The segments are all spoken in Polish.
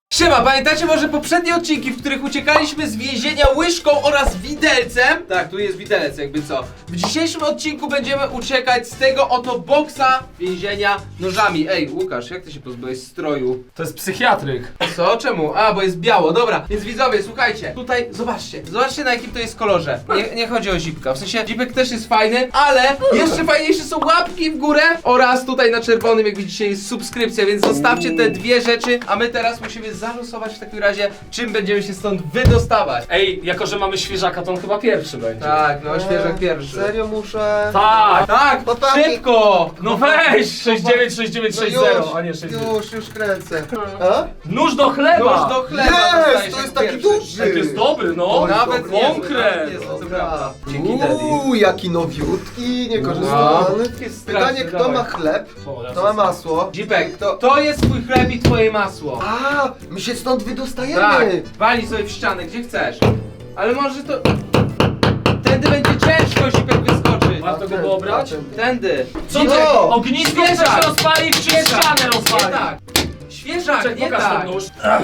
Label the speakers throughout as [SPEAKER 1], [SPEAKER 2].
[SPEAKER 1] Siema, pamiętacie może poprzednie odcinki, w których uciekaliśmy z więzienia łyżką oraz widelcem? Tak, tu jest widelec, jakby co. W dzisiejszym odcinku będziemy uciekać z tego oto boksa więzienia nożami. Ej, Łukasz, jak ty się pozbyłeś stroju?
[SPEAKER 2] To jest psychiatryk.
[SPEAKER 1] Co? Czemu? A, bo jest biało, dobra. Więc widzowie, słuchajcie, tutaj zobaczcie na jakim to jest kolorze. Nie chodzi o zipka, w sensie zipek też jest fajny, ale jeszcze fajniejsze są łapki w górę oraz tutaj na czerwonym, jak widzicie, jest subskrypcja, więc zostawcie te dwie rzeczy, a my teraz musimy zalosować w takim razie, czym będziemy się stąd wydostawać.
[SPEAKER 2] Ej, jako że mamy świeżaka, to on chyba pierwszy będzie.
[SPEAKER 1] Tak, no świeżak pierwszy.
[SPEAKER 3] Serio muszę?
[SPEAKER 2] Tak!
[SPEAKER 1] Tak,
[SPEAKER 3] Chłopaki.
[SPEAKER 1] szybko!
[SPEAKER 2] No weź! 696960, a nie 60.
[SPEAKER 3] już kręcę. A?
[SPEAKER 2] Nóż do chleba!
[SPEAKER 1] Nóż do chleba
[SPEAKER 3] Jest,
[SPEAKER 1] dostajesz
[SPEAKER 3] to
[SPEAKER 1] jak
[SPEAKER 3] jest taki
[SPEAKER 1] pierwszy.
[SPEAKER 3] duży.
[SPEAKER 2] Ej, to jest dobry, no!
[SPEAKER 1] Nawet
[SPEAKER 3] Dobry.
[SPEAKER 1] niezły,
[SPEAKER 2] Konkret.
[SPEAKER 1] nawet niezły, to prawda. Dzięki,
[SPEAKER 3] Dzięki
[SPEAKER 1] Daddy.
[SPEAKER 3] jaki nowiutki, niekorzystany.
[SPEAKER 1] Jest
[SPEAKER 3] Pytanie,
[SPEAKER 1] straszny,
[SPEAKER 3] kto
[SPEAKER 1] dawaj.
[SPEAKER 3] ma chleb,
[SPEAKER 2] O,
[SPEAKER 3] kto ma masło.
[SPEAKER 1] Zipek, to jest twój chleb i twoje masło.
[SPEAKER 3] A, my się stąd wydostajemy.
[SPEAKER 1] Tak, wali sobie w ścianę, gdzie chcesz. Ale może to... Tędy będzie ciężko, Zipek, wyskoczyć.
[SPEAKER 2] Warto go było brać?
[SPEAKER 1] Tędy.
[SPEAKER 2] Co
[SPEAKER 3] Jo!
[SPEAKER 2] ty? Ognisko
[SPEAKER 1] Świeżak!
[SPEAKER 2] chcesz rozpalić, czy ścianę
[SPEAKER 1] Nie
[SPEAKER 2] rozpalić?
[SPEAKER 1] tak. Świeżak,
[SPEAKER 2] Czek,
[SPEAKER 1] nie
[SPEAKER 2] pokaż
[SPEAKER 1] tak.
[SPEAKER 2] ten nóż.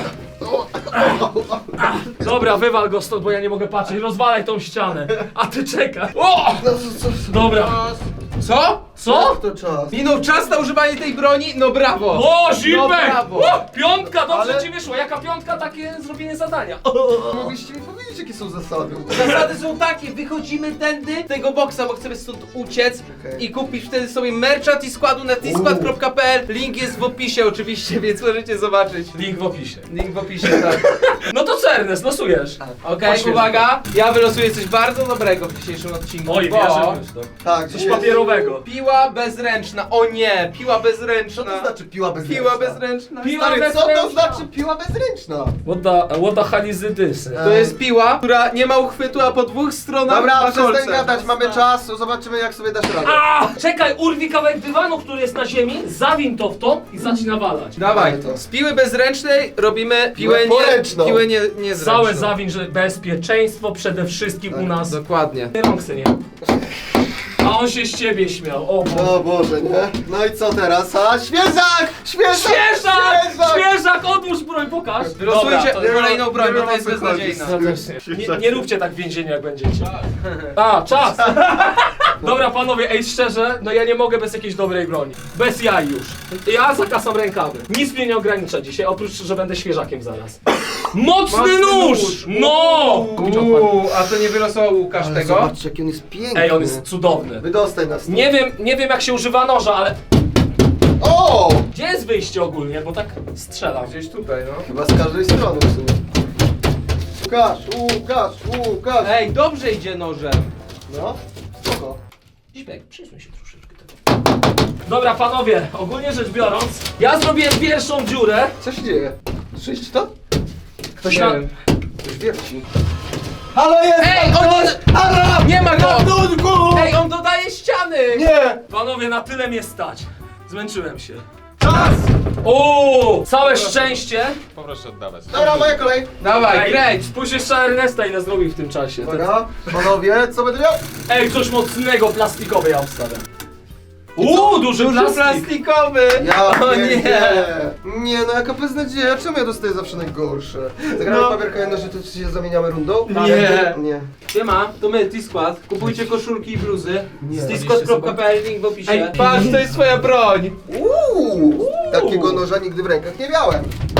[SPEAKER 2] Dobra, wywal go stąd, bo ja nie mogę patrzeć. Rozwalaj tą ścianę. A ty czekaj. O!
[SPEAKER 3] No, co?
[SPEAKER 2] Dobra.
[SPEAKER 1] Co?
[SPEAKER 2] Co?
[SPEAKER 3] Jak to czas?
[SPEAKER 1] Minął czas na używanie tej broni? No brawo.
[SPEAKER 2] O,
[SPEAKER 1] No
[SPEAKER 2] Zipek!
[SPEAKER 1] brawo.
[SPEAKER 2] O, piątka, dobrze
[SPEAKER 3] Ale-
[SPEAKER 2] ci wyszło. Jaka piątka, takie zrobienie zadania.
[SPEAKER 3] Mogliście mi powiedzieć, jakie są zasady.
[SPEAKER 1] Zasady są takie, wychodzimy tędy z tego boksa, bo chcemy stąd uciec
[SPEAKER 3] Okej.
[SPEAKER 1] i kupisz wtedy sobie mercha T-Składu na tskład.pl. Link jest w opisie oczywiście, więc możecie zobaczyć.
[SPEAKER 2] Link w opisie.
[SPEAKER 1] Link w opisie, tak.
[SPEAKER 2] No to co, Ernest, losujesz.
[SPEAKER 1] Okej,
[SPEAKER 2] Poświęć.
[SPEAKER 1] uwaga, ja wylosuję coś bardzo dobrego w dzisiejszym odcinku,
[SPEAKER 2] Oj,
[SPEAKER 1] bo
[SPEAKER 2] wierzę już to.
[SPEAKER 3] Tak,
[SPEAKER 2] Coś papierowego.
[SPEAKER 1] piła bezręczna, o nie, piła bezręczna.
[SPEAKER 3] Co to znaczy piła bezręczna?
[SPEAKER 1] Piła bezręczna.
[SPEAKER 2] Piła
[SPEAKER 3] Stary, co
[SPEAKER 2] bezręczna.
[SPEAKER 3] to znaczy piła bezręczna?
[SPEAKER 2] What the hell is this?
[SPEAKER 1] To jest piła, która nie ma uchwytu, a po dwóch stronach
[SPEAKER 3] Dobra,
[SPEAKER 1] ma kolce.
[SPEAKER 3] przestań gadać, mamy czas, zobaczymy jak sobie dasz radę.
[SPEAKER 2] A! Czekaj, urwij kawałek dywanu, który jest na ziemi, zawin to w to i zacznij nawalać.
[SPEAKER 1] Dawaj,
[SPEAKER 3] Dawaj to.
[SPEAKER 1] z piły bezręcznej robimy piłę
[SPEAKER 3] Poręczną.
[SPEAKER 1] piłę niezręczną.
[SPEAKER 2] Całe zawin, że bezpieczeństwo przede wszystkim u nas.
[SPEAKER 1] Dokładnie.
[SPEAKER 2] Rąksy nie. A on się z ciebie śmiał, o Boże.
[SPEAKER 3] O Boże, nie? No i co teraz? A, świeżak! Świeżak!
[SPEAKER 2] Świeżak! Odłóż broń, pokaż!
[SPEAKER 1] Wylosujcie
[SPEAKER 2] Dobra,
[SPEAKER 1] kolejną broń, bo
[SPEAKER 3] nie
[SPEAKER 1] to jest
[SPEAKER 3] wiem, o co chodzi.
[SPEAKER 1] beznadziejna.
[SPEAKER 2] nie róbcie tak w więzieniu, jak będziecie. A, czas! Dobra, panowie, ej, szczerze, no ja nie mogę bez jakiejś dobrej broni. Bez jaj już. Ja zakasam rękawy. Nic mnie nie ogranicza dzisiaj, oprócz, że będę świeżakiem zaraz. Mocny nóż! No!
[SPEAKER 1] A to nie wylosował Łukasz
[SPEAKER 3] Ale
[SPEAKER 1] tego?
[SPEAKER 3] zobaczcie, jaki on jest piękny.
[SPEAKER 2] Ej, on jest cudowny.
[SPEAKER 3] Wydostaj nas.
[SPEAKER 2] Nie wiem jak się używa noża, ale...
[SPEAKER 3] O!
[SPEAKER 2] Gdzie jest wyjście ogólnie, bo tak strzelam.
[SPEAKER 1] Gdzieś tutaj, no.
[SPEAKER 3] Chyba z każdej strony w sumie. Łukasz!
[SPEAKER 1] Ej, dobrze idzie nożem.
[SPEAKER 3] No, spoko.
[SPEAKER 2] Zipek, przesuń się troszeczkę tego. Dobra, panowie, ogólnie rzecz biorąc, ja zrobiłem pierwszą dziurę.
[SPEAKER 3] Co się dzieje? Słyszcie to?
[SPEAKER 2] Ktoś
[SPEAKER 1] Nie
[SPEAKER 2] na...
[SPEAKER 1] wiem.
[SPEAKER 3] Ktoś wierci. Halo, jest!
[SPEAKER 1] Ej,
[SPEAKER 3] Halo!
[SPEAKER 1] Nie ma go!
[SPEAKER 3] Ratunku!
[SPEAKER 1] Ej, on dodaje ściany!
[SPEAKER 3] Nie!
[SPEAKER 2] Panowie, na tyle mnie stać. Zmęczyłem się.
[SPEAKER 3] Czas!
[SPEAKER 2] O, całe szczęście.
[SPEAKER 4] Poproszę oddawać.
[SPEAKER 3] Dobra, moja kolej.
[SPEAKER 1] Dawaj,
[SPEAKER 2] Ej,
[SPEAKER 1] kręć!
[SPEAKER 2] spójrz jeszcze na Ernesta, ile zrobił w tym czasie.
[SPEAKER 3] Uwaga, panowie, co będę miał?
[SPEAKER 2] Ej, coś mocnego, plastikowe ja obstawiam. Duży
[SPEAKER 1] Duży
[SPEAKER 2] plastik.
[SPEAKER 1] plastikowy!
[SPEAKER 3] Ja
[SPEAKER 1] O nie!
[SPEAKER 3] pierdzielę. Nie no, jaka beznadzieja, czemu ja dostaję zawsze najgorsze? Zagramy
[SPEAKER 1] No.
[SPEAKER 3] papier kamienny, że to się zamieniamy rundą?
[SPEAKER 1] Nie.
[SPEAKER 3] Nie.
[SPEAKER 1] Siema, to my, T-Skład. Kupujcie koszulki i bluzy.
[SPEAKER 3] Nie.
[SPEAKER 1] Z tskład.pl, link w opisie.
[SPEAKER 2] Ej,
[SPEAKER 1] Patrz, to jest twoja broń!
[SPEAKER 3] Takiego noża nigdy w rękach nie miałem.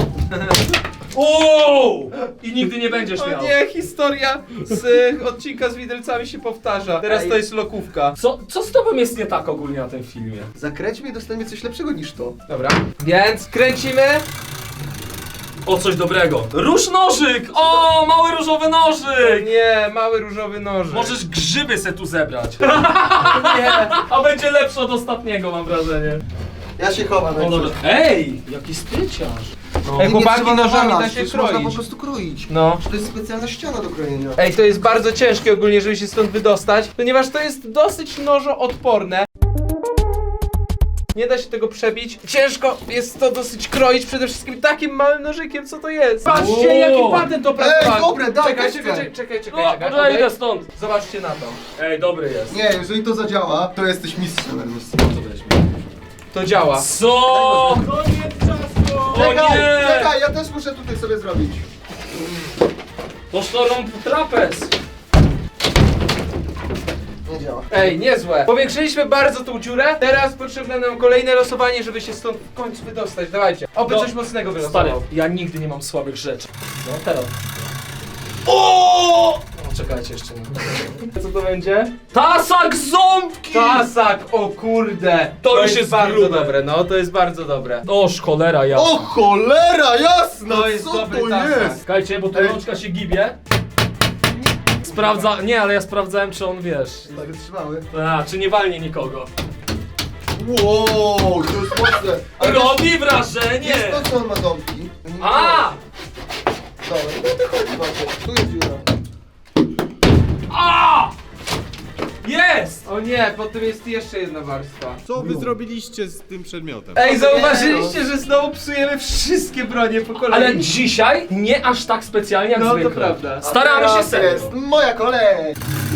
[SPEAKER 2] I nigdy nie będziesz
[SPEAKER 1] O
[SPEAKER 2] miał.
[SPEAKER 1] nie, historia z odcinka z widelcami się powtarza. Teraz
[SPEAKER 3] Ej.
[SPEAKER 1] to jest lokówka.
[SPEAKER 2] Co z tobą jest nie tak ogólnie na tym filmie?
[SPEAKER 3] Zakręćmy i dostaniemy coś lepszego niż to.
[SPEAKER 1] Dobra. Więc kręcimy.
[SPEAKER 2] O, coś dobrego. Róż nożyk! O, mały różowy nożyk!
[SPEAKER 1] Nie, mały różowy nożyk.
[SPEAKER 2] Możesz grzyby se tu zebrać.
[SPEAKER 1] Nie.
[SPEAKER 2] A będzie lepsze od ostatniego, mam wrażenie.
[SPEAKER 3] Ja się chowam.
[SPEAKER 2] O, dobra. Ej, jaki stryciarz. No.
[SPEAKER 1] Ej, chłopaki,
[SPEAKER 3] trzeba
[SPEAKER 1] nożami
[SPEAKER 3] nawalać,
[SPEAKER 1] da się
[SPEAKER 3] już można po
[SPEAKER 1] kroić.
[SPEAKER 3] prostu kroić.
[SPEAKER 1] No.
[SPEAKER 3] To jest specjalna ściana do krojenia.
[SPEAKER 1] Ej, to jest bardzo ciężkie ogólnie, żeby się stąd wydostać, ponieważ to jest dosyć nożoodporne. Nie da się tego przebić. Ciężko jest to dosyć kroić, przede wszystkim takim małym nożykiem, co to jest. Patrzcie,
[SPEAKER 2] Wow.
[SPEAKER 1] jaki patent opracowany.
[SPEAKER 3] dobre, daj,
[SPEAKER 1] Czekaj,
[SPEAKER 3] też
[SPEAKER 1] czekaj,
[SPEAKER 3] chcę.
[SPEAKER 1] czekaj, czekaj,
[SPEAKER 2] No,
[SPEAKER 1] czekaj.
[SPEAKER 2] dobra,
[SPEAKER 1] okej?
[SPEAKER 2] idę stąd.
[SPEAKER 1] Zobaczcie na to.
[SPEAKER 2] Ej, dobry jest.
[SPEAKER 3] Nie, jeżeli to zadziała, to jesteś mistrzem, Ernest.
[SPEAKER 2] Co weźmie?
[SPEAKER 1] To działa.
[SPEAKER 2] Co? Koniec czasu! O
[SPEAKER 3] Czekaj,
[SPEAKER 2] nie!
[SPEAKER 3] czekaj, ja też też muszę tutaj sobie zrobić.
[SPEAKER 2] Toż to rąb trapez.
[SPEAKER 3] Nie działa.
[SPEAKER 1] Ej, niezłe. Powiększyliśmy bardzo tą dziurę. Teraz potrzebne nam kolejne losowanie, żeby się stąd w końcu wydostać. Dawajcie. Oby
[SPEAKER 2] No,
[SPEAKER 1] coś mocnego
[SPEAKER 2] Stary,
[SPEAKER 1] wylosował.
[SPEAKER 2] ja nigdy nie mam słabych rzeczy. No teraz. O! No, czekajcie jeszcze nie. Co to będzie? Tasak ząbki!
[SPEAKER 1] Tasak, o kurde.
[SPEAKER 2] To już jest
[SPEAKER 1] bardzo
[SPEAKER 2] grube.
[SPEAKER 1] dobre, no to jest bardzo dobre.
[SPEAKER 2] Oż cholera ja.
[SPEAKER 3] O cholera, jasna!
[SPEAKER 1] To jest
[SPEAKER 3] Co
[SPEAKER 1] dobry
[SPEAKER 3] to
[SPEAKER 1] tasak.
[SPEAKER 3] jest?
[SPEAKER 2] Czekajcie, bo tu
[SPEAKER 3] Ej.
[SPEAKER 2] rączka się gibie. Sprawdza... Nie, ale ja sprawdzałem, czy on, wiesz...
[SPEAKER 3] Tak wytrzymały.
[SPEAKER 2] A, czy nie walnie nikogo.
[SPEAKER 3] Wow, to jest mocne. Ale
[SPEAKER 2] Robi wrażenie!
[SPEAKER 3] jest to, co on ma ząbki.
[SPEAKER 2] A!
[SPEAKER 3] Dobra, no to chodzi Maciek. Tu jest dziura.
[SPEAKER 2] A! Jest!
[SPEAKER 1] O nie, pod tym jest jeszcze jedna warstwa.
[SPEAKER 4] Co wy zrobiliście z tym przedmiotem?
[SPEAKER 1] Ej, zauważyliście, że znowu psujemy wszystkie bronie po kolei?
[SPEAKER 2] Ale dzisiaj nie aż tak specjalnie jak
[SPEAKER 1] No, to
[SPEAKER 2] zwykle.
[SPEAKER 1] prawda.
[SPEAKER 2] Staramy
[SPEAKER 3] A
[SPEAKER 2] się
[SPEAKER 3] teraz
[SPEAKER 2] serio.
[SPEAKER 3] jest moja kolej.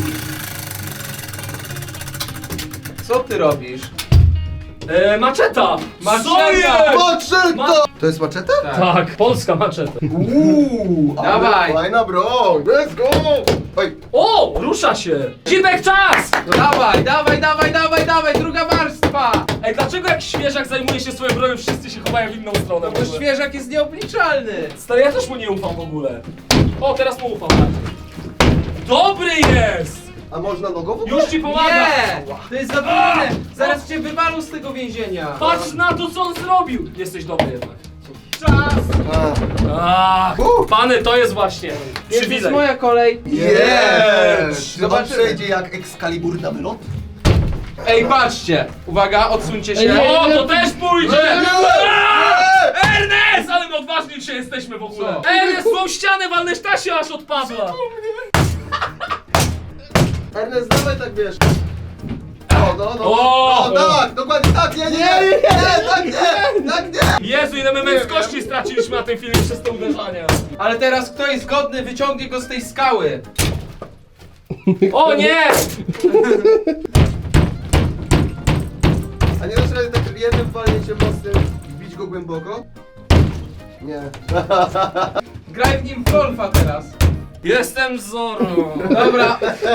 [SPEAKER 1] Co ty robisz?
[SPEAKER 2] Maczeta!
[SPEAKER 1] Maczeta!
[SPEAKER 2] Co jest?
[SPEAKER 3] Maczeta!
[SPEAKER 2] Ma-
[SPEAKER 3] To jest maczeta?
[SPEAKER 2] Tak, polska maczeta.
[SPEAKER 3] Ale
[SPEAKER 1] Dawaj.
[SPEAKER 3] fajna broń. Let's go! Oj,
[SPEAKER 2] O! Rusza się! Zibek, czas!
[SPEAKER 1] No dawaj, dawaj, dawaj, dawaj, dawaj, druga warstwa!
[SPEAKER 2] Ej, dlaczego jak świeżak zajmuje się swoją bronią, wszyscy się chowają w inną stronę? w
[SPEAKER 1] Bo
[SPEAKER 2] ogóle?
[SPEAKER 1] świeżak jest nieobliczalny.
[SPEAKER 2] Stary, ja też mu nie ufam w ogóle. O, teraz mu ufam bardziej. Dobry jest!
[SPEAKER 3] a można nogowo?
[SPEAKER 2] Już ci pomaga!
[SPEAKER 1] Nie! To jest zabawne! Zaraz cię wywalą z tego więzienia.
[SPEAKER 2] Patrz na to, co on zrobił! Jesteś dobry jednak.
[SPEAKER 1] Czas!
[SPEAKER 2] Ach, pany, to jest właśnie
[SPEAKER 1] Jest
[SPEAKER 2] przywilej.
[SPEAKER 1] moja kolej.
[SPEAKER 3] Jest! Chyba
[SPEAKER 1] Zobaczymy.
[SPEAKER 3] przejdzie jak Excalibur na wylot.
[SPEAKER 1] Ej, patrzcie! Uwaga, odsuńcie się.
[SPEAKER 2] O, to też pójdzie!
[SPEAKER 3] Nie, nie,
[SPEAKER 2] Aaa! Ernest! Ale my odważni dzisiaj jesteśmy w ogóle.
[SPEAKER 1] Co?
[SPEAKER 2] Ernest, tą ścianę walnąć, ta się aż odpadła.
[SPEAKER 3] Ernest, dawaj tak wiesz. No,
[SPEAKER 2] O!
[SPEAKER 3] no, tak, dokładnie tak, nie, tak nie!
[SPEAKER 2] Jezu, ile my męskości straciliśmy na tym filmie przez te uderzania.
[SPEAKER 1] Ale teraz kto jest godny, wyciągnie go z tej skały.
[SPEAKER 2] O nie!
[SPEAKER 3] A nie dasz rady tak jednym walnięciem mocnym wbić go głęboko? Nie.
[SPEAKER 1] Graj w nim w golfa teraz.
[SPEAKER 2] Jestem Zorro.
[SPEAKER 1] Dobra.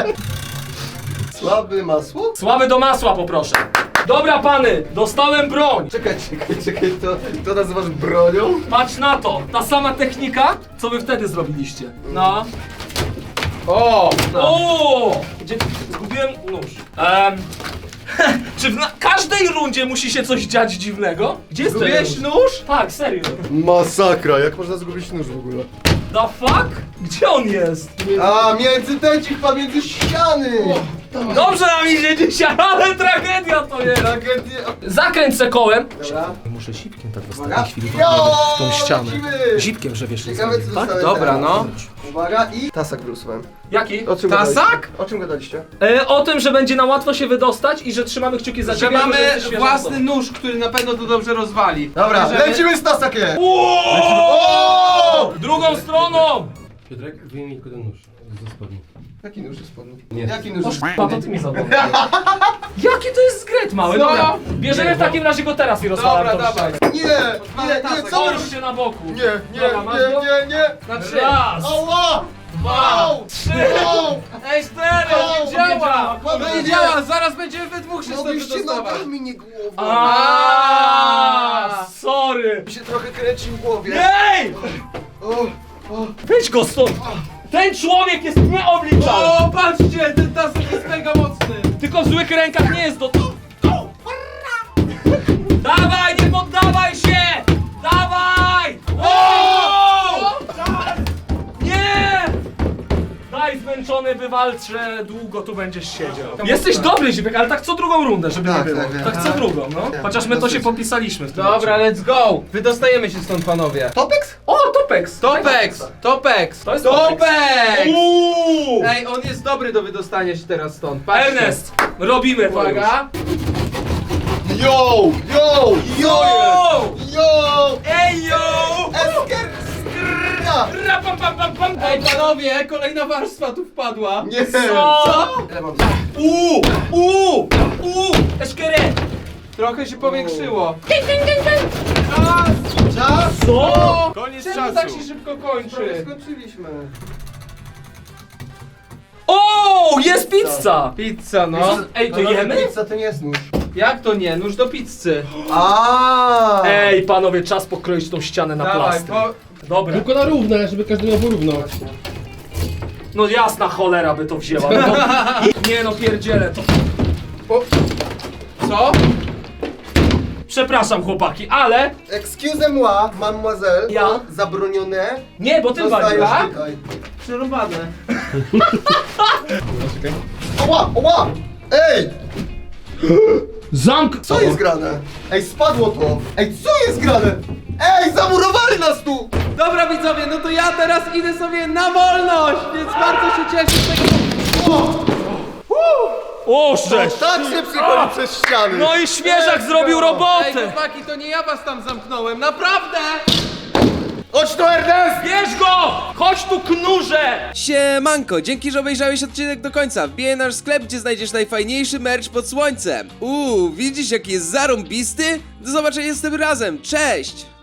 [SPEAKER 3] Słaby masło?
[SPEAKER 2] Słaby do masła poproszę. Dobra pany, dostałem broń.
[SPEAKER 3] Czekaj, to nazywasz bronią?
[SPEAKER 2] Patrz na to, ta sama technika, co wy wtedy zrobiliście. No.
[SPEAKER 1] O!
[SPEAKER 2] O! Gdzie zgubiłem nóż? Czy w każdej rundzie musi się coś dziać dziwnego? Gdzie jest ten
[SPEAKER 1] Zgubiłeś
[SPEAKER 2] nóż?
[SPEAKER 1] nóż?
[SPEAKER 2] Tak, serio.
[SPEAKER 3] Masakra, jak można zgubić nóż w ogóle?
[SPEAKER 2] The fuck? Gdzie on jest?
[SPEAKER 3] A, między tęcich, między ściany!
[SPEAKER 2] Dobrze nam idzie dzisiaj, ale tragedia to jest.
[SPEAKER 3] Tragedia.
[SPEAKER 2] Zakręć se kołem.
[SPEAKER 3] Dobra.
[SPEAKER 2] Muszę zipkiem tak w
[SPEAKER 3] Uwaga.
[SPEAKER 2] ostatniej chwili
[SPEAKER 3] Jo,
[SPEAKER 2] tą ścianę.
[SPEAKER 3] lecimy.
[SPEAKER 2] Zipkiem, że wiesz,
[SPEAKER 3] Ciekawe co
[SPEAKER 2] tak?
[SPEAKER 3] dostałem
[SPEAKER 1] Dobra,
[SPEAKER 3] teraz.
[SPEAKER 1] no.
[SPEAKER 3] Uwaga i... Tasak wylosowałem.
[SPEAKER 2] Jaki?
[SPEAKER 3] O czym
[SPEAKER 1] Tasak?
[SPEAKER 3] gadaliście? O czym gadaliście?
[SPEAKER 2] O tym, że będzie na łatwo się wydostać i że trzymamy kciuki za
[SPEAKER 1] Że
[SPEAKER 2] ciebie.
[SPEAKER 1] mamy
[SPEAKER 2] jesteś świeża
[SPEAKER 1] własny
[SPEAKER 2] osoba.
[SPEAKER 1] nóż, który na pewno to dobrze rozwali.
[SPEAKER 3] Dobra,
[SPEAKER 1] Bierzemy-
[SPEAKER 3] lecimy z tasakiem!
[SPEAKER 2] O! Drugą stroną!
[SPEAKER 4] Piotrek, wyjmij tylko ten nóż ze spodni.
[SPEAKER 3] Jaki nóż jest spodni?
[SPEAKER 4] Nie.
[SPEAKER 3] Jaki nóż jest
[SPEAKER 2] A to ty mi zabrałeś. Jaki to jest zgret mały?
[SPEAKER 1] Co?
[SPEAKER 2] Dobra, bierzemy w takim razie go teraz i rozwalamy
[SPEAKER 1] Dobra,
[SPEAKER 2] tą
[SPEAKER 1] dawaj.
[SPEAKER 2] ścianę.
[SPEAKER 3] Nie, co wy
[SPEAKER 2] Połóż się na boku.
[SPEAKER 3] Nie,
[SPEAKER 2] Dobra, masz go?
[SPEAKER 3] nie!
[SPEAKER 1] Na 3.
[SPEAKER 2] Raz,
[SPEAKER 3] Ała!
[SPEAKER 2] dwa, trzy,
[SPEAKER 1] Ej, 4!
[SPEAKER 2] O,
[SPEAKER 1] Nie działa!
[SPEAKER 2] nie działa,
[SPEAKER 1] To nie
[SPEAKER 3] kurde.
[SPEAKER 1] działa! Zaraz będziemy we dwóch się stąd
[SPEAKER 3] Mogliście
[SPEAKER 1] wydostawać.
[SPEAKER 3] nogami, nie głową!
[SPEAKER 2] A, sorry.
[SPEAKER 3] Mi się trochę kręci w głowie.
[SPEAKER 2] Ej!
[SPEAKER 3] O,
[SPEAKER 2] Weź go stąd. Ten człowiek jest nieobliczalny.
[SPEAKER 1] O, patrzcie! Ten tasek jest mega mocny!
[SPEAKER 2] Tylko w złych rękach nie jest do... Dawaj, nie poddawaj się! Dawaj! O! Nie! Daj zmęczony, wywalczę, długo tu będziesz siedział. Jesteś dobry, Zipek, ale tak co drugą rundę, żeby
[SPEAKER 3] Tak,
[SPEAKER 2] nie było.
[SPEAKER 3] tak,
[SPEAKER 2] Tak,
[SPEAKER 3] tak.
[SPEAKER 2] co drugą, no.
[SPEAKER 3] Tak,
[SPEAKER 2] Chociaż my to się
[SPEAKER 3] dosyć.
[SPEAKER 2] popisaliśmy w tym
[SPEAKER 1] Dobra,
[SPEAKER 2] odcinku.
[SPEAKER 1] let's go! Wydostajemy się stąd, panowie.
[SPEAKER 3] Topex?
[SPEAKER 2] O, Topex!
[SPEAKER 1] Topex! Topex!
[SPEAKER 2] To jest
[SPEAKER 1] Topex!
[SPEAKER 2] Uuu!
[SPEAKER 1] Ej, on jest dobry do wydostania się teraz stąd. Patrzcie.
[SPEAKER 2] Ernest, robimy to już.
[SPEAKER 1] Uwaga!
[SPEAKER 3] Yo!
[SPEAKER 2] Yo!
[SPEAKER 3] Yo!
[SPEAKER 2] Ej, yo!
[SPEAKER 3] Esker! Skrrra!
[SPEAKER 2] Rapapapapam.
[SPEAKER 1] Ej, panowie, kolejna warstwa tu wpadła.
[SPEAKER 3] Nie!
[SPEAKER 2] Co?
[SPEAKER 3] Ile mam?
[SPEAKER 2] Uuu! Eszkere!
[SPEAKER 1] Trochę się powiększyło.
[SPEAKER 3] Czas!
[SPEAKER 2] Co?
[SPEAKER 4] koniec
[SPEAKER 1] Czemu
[SPEAKER 4] czasu.
[SPEAKER 1] tak się szybko
[SPEAKER 3] Prawie
[SPEAKER 1] kończy?
[SPEAKER 3] skończyliśmy.
[SPEAKER 2] O, jest pizza!
[SPEAKER 1] Pizza, no.
[SPEAKER 2] Ej, to
[SPEAKER 3] No,
[SPEAKER 2] jemy?
[SPEAKER 3] Pizza to nie jest nóż.
[SPEAKER 1] Jak to nie? Nóż do pizzy.
[SPEAKER 3] A.
[SPEAKER 2] Ej, panowie, czas pokroić tą ścianę na
[SPEAKER 1] Dawaj,
[SPEAKER 2] plastry. Dobra.
[SPEAKER 4] Tylko na równe, żeby każdy miał porówno.
[SPEAKER 2] No jasna cholera by to wzięła. No, nie no, pierdzielę to.
[SPEAKER 1] O. Co?
[SPEAKER 2] Przepraszam chłopaki, ale...
[SPEAKER 3] Excusez-moi, mademoiselle.
[SPEAKER 2] Ja?
[SPEAKER 3] Zabronione.
[SPEAKER 2] Nie, bo ty
[SPEAKER 3] Zostajesz
[SPEAKER 2] walisz.
[SPEAKER 3] tutaj.
[SPEAKER 1] Przerobane.
[SPEAKER 3] Oła, oła! Ej!
[SPEAKER 2] Zamk...
[SPEAKER 3] Co jest grane? Ej, spadło to! Ej, co jest grane? Ej, zamurowali nas tu!
[SPEAKER 1] Dobra widzowie, no to ja teraz idę sobie na wolność, więc bardzo się cieszę z tego.
[SPEAKER 2] O, szczęść!
[SPEAKER 3] Tak się przychodzi przez ściany!
[SPEAKER 2] No i świeżak zrobił
[SPEAKER 1] Ej,
[SPEAKER 2] robotę!
[SPEAKER 1] chłopaki, to nie ja was tam zamknąłem, naprawdę!
[SPEAKER 3] Chodź tu, Ernest!
[SPEAKER 2] Bierz go! Chodź tu, knurze!
[SPEAKER 5] Siemanko, dzięki, że obejrzałeś odcinek do końca. Wbijaj nasz sklep, gdzie znajdziesz najfajniejszy merch pod słońcem. Widzisz jaki jest zarąbisty? Do zobaczenia z tym razem, cześć!